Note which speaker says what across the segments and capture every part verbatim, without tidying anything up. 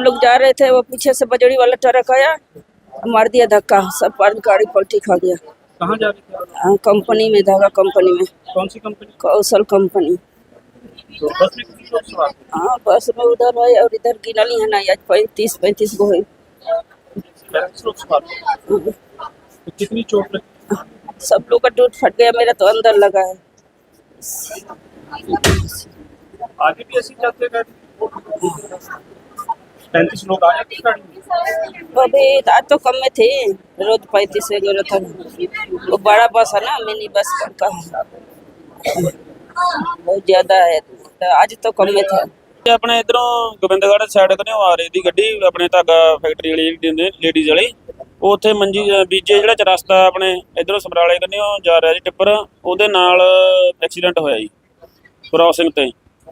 Speaker 1: लोग जा रहे थे, वो पीछे से बजड़ी वाला ट्रक आया, मार दिया धक्का, सब पर गाड़ी पलटी खा गया।
Speaker 2: कहाँ जा रहे थे आप?
Speaker 1: हाँ, कंपनी में, धागा कंपनी में,
Speaker 2: कौन सी कंपनी?
Speaker 1: कौशल कंपनी।
Speaker 2: तो बस में कितने लोग सवार थे?
Speaker 1: हाँ, बस में उधर है और इधर गिनली है ना, आज पैंतीस पैंतीस गो है।
Speaker 2: पैंतीस लोग सवार थे। तो कितनी चोट लगी?
Speaker 1: सब लोग का टूट फट गया, मेरा तो अंदर लगा है।
Speaker 2: आगे भी ऐसी चलते गए? पैंतीस लोग आ जाते गाड़ी में?
Speaker 1: अभी आज तो कम में थे, रोज पैंतीस वगैरह था। वो बड़ा बस है ना, मिनी बस का बहुत ज्यादा है, तो आज तो कम में था।
Speaker 3: ਆਪਣੇ ਇਧਰੋਂ ਗੋਬਿੰਦਗੜ੍ਹ ਸਾਈਡ ਤੋਂ ਆ ਰਹੀ ਦੀ ਗੱਡੀ, ਆਪਣੇ ਧਾਗਾ ਫੈਕਟਰੀ ਵਾਲੀ ਜਿਹੜੀ ਲੇਡੀਜ਼ ਵਾਲੀ, ਉਹ ਉੱਥੇ ਮੰਜੀ ਬੀਜੇ ਜਿਹੜਾ ਚ ਰਸਤਾ ਆਪਣੇ ਇਧਰੋਂ ਸਮਰਾਲੇ ਕੰਨਿਓ ਜਾ ਰਿਹਾ ਜੀ ਟਿੱਪਰ, ਉਹਦੇ ਨਾਲ ਐਕਸੀਡੈਂਟ ਹੋਇਆ ਜੀ ਕ੍ਰਾਸਿੰਗ ਤੇ।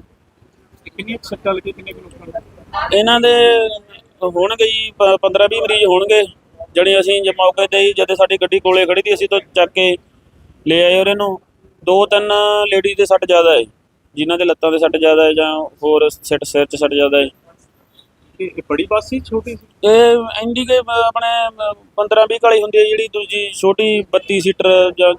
Speaker 2: ਕਿੰਨੀ ਸੱਟਾਂ ਲੱਗੀ, ਕਿੰਨੇ ਕਿਲੋ?
Speaker 3: ਇਹਨਾਂ ਦੇ ਹੋਣਗੇ ਜੀ ਪੰਦਰਾਂ ਵੀਹ ਮਰੀਜ਼ ਹੋਣਗੇ। ਜਣੀ ਅਸੀਂ ਜੇ ਮੌਕੇ ਤੇ ਹੀ ਜਦੋਂ ਸਾਡੀ ਗੱਡੀ ਕੋਲੇ ਖੜੀ ਸੀ, ਅਸੀਂ ਤਾਂ ਚੱਕ ਕੇ ਲੈ ਆਏ ਉਹਨਾਂ ਨੂੰ। ਦੋ ਤਿੰਨ ਲੇਡੀਜ਼ ਦੇ ਸੱਟ ਜ਼ਿਆਦਾ ਹੈ, ਜਿਨ੍ਹਾਂ ਦੇ ਲੱਤਾਂ ਦੇ ਸੱਟ ਜ਼ਿਆਦਾ ਹੈ ਜਾਂ ਹੋਰ ਸਿਰ ਸਿਰ 'ਚ ਸੱਟ ਜ਼ਿਆਦਾ ਹੈ।
Speaker 2: ਇਹ ਬੜੀ ਬੱਸ ਸੀ ਛੋਟੀ ਸੀ?
Speaker 3: ਇਹ ਇੰਡੀਕੇ ਆਪਣੇ ਪੰਦਰਾਂ ਵੀਹ ਕਾਲੀ ਹੁੰਦੀ ਹੈ, ਜਿਹੜੀ ਦੂਜੀ ਛੋਟੀ ਬੱਤੀ ਸੀਟਰ ਜਾਂ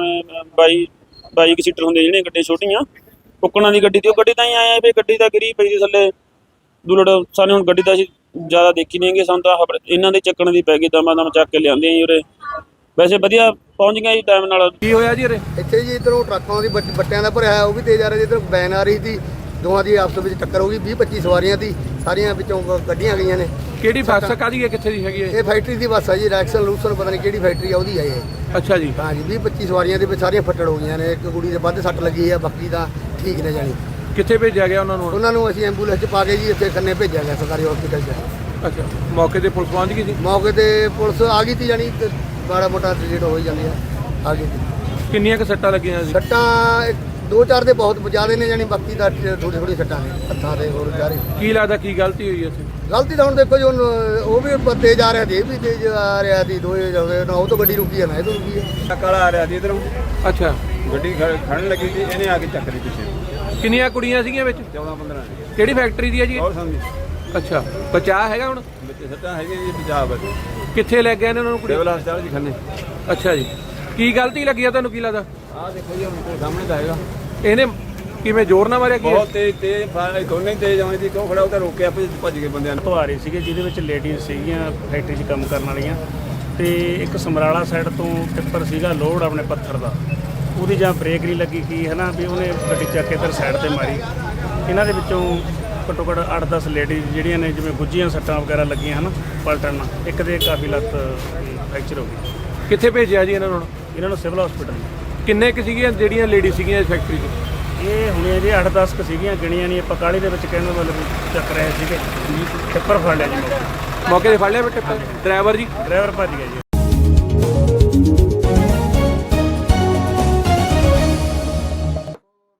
Speaker 3: ਬਾਈ ਬਾਈ ਕੁ ਸੀਟਰ ਹੁੰਦੀਆਂ ਜਿਹੜੀਆਂ ਗੱਡੀਆਂ ਛੋਟੀਆਂ ਕੁੱਕਣਾ ਦੀ ਗੱਡੀ ਦੀ। ਉਹ ਗੱਡੀ ਤਾਂ ਹੀ ਆਇਆ ਵੀ ਗੱਡੀ ਤਾਂ ਗਿਰੀ ਪਈ ਸੀ ਥੱਲੇ ਦੁਲੜ। ਸਾਨੂੰ ਹੁਣ ਗੱਡੀ ਤਾਂ ਅਸੀਂ ਜ਼ਿਆਦਾ ਦੇਖੀ ਨਹੀਂ ਹੈਗੀ, ਸਾਨੂੰ ਤਾਂ ਇਹਨਾਂ ਦੇ ਚੱਕਣ ਦੀ ਪੈ ਗਈ, ਦਮਾ ਦਮ ਚੱਕ ਕੇ ਲਿਆਂਦੇ ਜੀ ਉਰੇ। ਵੈਸੇ ਵਧੀਆ ਪਹੁੰਚ ਗਿਆ ਜੀ ਟਾਈਮ ਨਾਲ।
Speaker 2: ਕੀ ਹੋਇਆ ਜੀ ਉਰੇ?
Speaker 4: ਇੱਥੇ ਜੀ ਇੱਧਰੋਂ ਟਰੱਕਾਂ ਦੀ ਬੱਟ- ਬੱਟਿਆਂ ਦਾ ਭਰਿਆ ਹੈ, ਉਹ ਵੀ ਤੇਜ਼ ਆ ਰਿਹਾ ਜੀ। ਇੱਧਰ ਵੈਨ ਆ ਰਹੀ ਸੀ, ਦੋਵਾਂ ਦੀ ਆਪਸ ਵਿੱਚ ਟੱਕਰ ਹੋ ਗਈ। ਵੀਹ ਪੱਚੀ ਸਵਾਰੀਆਂ ਦੀ, ਸਾਰੀਆਂ ਵਿੱਚੋਂ ਕੱਢੀਆਂ ਗਈਆਂ ਨੇ।
Speaker 2: ਕਿਹੜੀ ਬੱਸ ਕਾਹਦੀ ਹੈ, ਕਿੱਥੇ ਦੀ ਹੈਗੀ ਹੈ?
Speaker 4: ਇਹ ਫੈਕਟਰੀ ਦੀ ਬੱਸ ਹੈ ਜੀ, ਰੈਕਸਨ ਲੂਸਨ ਪਤਾ ਨਹੀਂ ਕਿਹੜੀ ਫੈਕਟਰੀ ਆ ਉਹਦੀ ਹੈ ਇਹ।
Speaker 2: ਅੱਛਾ ਜੀ।
Speaker 4: ਹਾਂ ਜੀ, ਵੀਹ ਪੱਚੀ ਸਵਾਰੀਆਂ ਦੇ ਵਿੱਚ ਸਾਰੀਆਂ ਫੱਟੜ ਹੋ ਗਈਆਂ ਨੇ। ਇੱਕ ਕੁੜੀ ਦੇ ਵੱਧ ਸੱਟ ਲੱਗੀ ਹੈ, ਬਾਕੀ ਤਾਂ ਠੀਕ ਨੇ ਜਾਣੀ।
Speaker 2: ਕਿੱਥੇ ਭੇਜਿਆ ਗਿਆ ਉਹਨਾਂ ਨੂੰ?
Speaker 4: ਉਹਨਾਂ ਨੂੰ ਅਸੀਂ ਐਂਬੂਲੈਂਸ 'ਚ ਪਾ ਕੇ ਜੀ ਇੱਥੇ ਖੰਨੇ ਭੇਜਿਆ ਗਿਆ ਸਰਕਾਰੀ ਹਸਪੀਟਲ 'ਚ।
Speaker 2: ਅੱਛਾ, ਮੌਕੇ ਤੇ ਪੁਲਿਸ ਪਹੁੰਚ ਗਈ ਸੀ?
Speaker 4: ਮੌਕੇ ਤੇ ਪੁਲਿਸ ਆ ਗਈ ਸੀ, ਜਾਣੀ ਤੇ ਮਾੜਾ ਮੋਟਾ ਟ੍ਰੀਟ ਹੋ ਹੀ ਜਾਂਦੀ ਆ, ਆ ਗਈ ਸੀ।
Speaker 2: ਕਿੰਨੀਆਂ ਕੁ ਸੱਟਾਂ ਲੱਗੀਆਂ ਸੀ?
Speaker 4: ਸੱਟਾਂ ਇੱਕ- ਦੋ ਚਾਰ ਦੇ ਬਹੁਤ ਜ਼ਿਆਦਾ ਨੇ, ਜਾਣੀ ਬਾਕੀ ਤਾਂ ਥੋੜੀ ਥੋੜੀ ਸੱਟਾਂ ਨੇ ਹੱਥਾਂ ਤੇ ਹੋਰ ਜਾ ਰਹੀ।
Speaker 2: ਕੀ ਲੱਗਦਾ ਕੀ ਗਲਤੀ ਹੋਈ ਇੱਥੇ?
Speaker 4: ਗਲਤੀ ਤਾਂ ਹੁਣ ਦੇਖੋ ਜੀ, ਹੁਣ ਉਹ ਵੀ ਤੇਜ਼ ਆ ਰਿਹਾ ਸੀ, ਇਹ ਵੀ ਤੇਜ਼ ਆ ਰਿਹਾ ਸੀ, ਦੋਏ ਜਾਵੇ ਨਾ। ਉਹ ਤੋਂ ਗੱਡੀ ਰੁਕੀ ਹੈ ਨਾ ਇਹ ਤੋਂ ਰੁਕੀ ਹੈ।
Speaker 5: ਕਾਲਾ ਆ ਰਿਹਾ ਸੀ ਇਧਰੋਂ,
Speaker 2: ਅੱਛਾ,
Speaker 5: ਗੱਡੀ ਖੜਨ ਲੱਗੀ ਸੀ, ਇਹਨੇ ਆ ਕੇ ਚੱਕ ਲਈ ਪਿੱਛੇ।
Speaker 2: ਕਿੰਨੀਆਂ ਕੁੜੀਆਂ ਸੀਗੀਆਂ ਵਿੱਚ?
Speaker 5: ਚੌਦਾਂ ਪੰਦਰਾਂ
Speaker 2: ਕਿਹੜੀ ਫੈਕਟਰੀ ਦੀ ਹੈ ਜੀ?
Speaker 5: ਹੋਰ ਸਮਝੀ
Speaker 2: ਅੱਛਾ, ਬਚਾਅ ਹੈਗਾ ਹੁਣ?
Speaker 5: ਬੱਚੇ ਸੱਟਾਂ ਹੈਗੀਆਂ ਜੀ, ਪੰਜਾਬ ਵਿੱਚ
Speaker 2: ਕਿੱਥੇ ਲੈ ਗਏ ਨੇ ਉਹਨਾਂ ਨੂੰ ਕੁੜੀ?
Speaker 5: ਸਿਵਲ ਹਸਪਤਾਲ ਜੀ ਖੰਨੇ।
Speaker 2: ਅੱਛਾ ਜੀ, ਕੀ ਗਲਤੀ ਲੱਗੀ ਆ ਤੁਹਾਨੂੰ, ਕੀ ਲੱਗਦਾ?
Speaker 5: ਆਹ ਦੇਖੋ ਜੀ, ਹੁਣ ਤੇ ਸਾਹਮਣੇ ਤਾਂ ਹੈਗਾ।
Speaker 2: ਇਹਨੇ ਕਿਵੇਂ ਜ਼ੋਰ ਨਾਲ ਮਾਰਿਆ? ਕੀ
Speaker 5: ਬਹੁਤ ਤੇਜ਼ ਤੇਜ਼ ਫਾਇਰ, ਦੋਨੇ ਹੀ ਤੇਜ਼ ਆਉਂਦੇ ਸੀ। ਕਿਉਂ ਖੜਾ ਉਹ ਤਾਂ ਰੋਕਿਆ, ਭੱਜ ਭੱਜ ਗਏ ਬੰਦਿਆਂ ਨੂੰ।
Speaker 6: ਤੋਂ ਆ ਰਹੇ ਸੀਗੇ, ਜਿਹਦੇ ਵਿੱਚ ਲੇਡੀਜ਼ ਸੀਗੀਆਂ ਫੈਕਟਰੀ 'ਚ ਕੰਮ ਕਰਨ ਵਾਲੀਆਂ, ਤੇ ਇੱਕ ਸਮਰਾਲਾ ਸਾਈਡ ਤੋਂ ਟਿੱਪਰ ਸੀਗਾ ਲੋਡ ਆਪਣੇ ਪੱਥਰ ਦਾ, ਉਹਦੀ ਜਾਂ ਬ੍ਰੇਕ ਨਹੀਂ ਲੱਗੀ ਕੀ ਹੈ ਨਾ, ਵੀ ਉਹਨੇ ਗੱਡੀ ਚੱਕ ਕੇ ਇੱਧਰ ਸਾਈਡ ਤੇ ਮਾਰੀ। ਇਹਨਾਂ ਦੇ ਵਿੱਚੋਂ ਘੱਟੋ ਘੱਟ ਅੱਠ ਦਸ ਲੇਡੀਜ਼ ਜਿਹੜੀਆਂ ਨੇ ਜਿਵੇਂ ਗੁੱਜੀਆਂ ਸੱਟਾਂ ਵਗੈਰਾ ਲੱਗੀਆਂ ਹਨ ਪਲਟਣ ਨਾਲ, ਇੱਕ ਦੇ ਕਾਫੀ ਲੱਤ ਫ੍ਰੈਕਚਰ ਹੋ ਗਈ।
Speaker 2: ਕਿੱਥੇ ਭੇਜਿਆ ਜੀ ਇਹਨਾਂ ਨੂੰ?
Speaker 6: ਇਹਨਾਂ ਨੂੰ ਸਿਵਲ ਹਸਪੀਟਲ।
Speaker 2: ਕਿੰਨੇ ਕੁ ਸੀਗੀਆਂ ਜਿਹੜੀਆਂ ਲੇਡੀ ਸੀਗੀਆਂ ਇਸ ਫੈਕਟਰੀ 'ਚ?
Speaker 6: ਇਹ ਹੁਣੇ ਜੀ ਅੱਠ ਦਸ ਕੁ ਸੀਗੀਆਂ, ਗਿਣੀਆਂ ਨਹੀਂ ਆਪਾਂ, ਕਾਹਲੀ ਦੇ ਵਿੱਚ ਕਹਿਣ ਦਾ ਮਤਲਬ ਵੀ ਚੱਕ ਰਹੇ ਸੀਗੇ। ਟਿੱਪਰ ਫੜ ਲਿਆ ਜੀ,
Speaker 2: ਮੌਕੇ ਤੇ ਫੜ ਲਿਆ ਬੇਟੇ? ਡਰਾਈਵਰ ਜੀ?
Speaker 6: ਡਰਾਈਵਰ ਭੱਜ ਗਿਆ ਜੀ।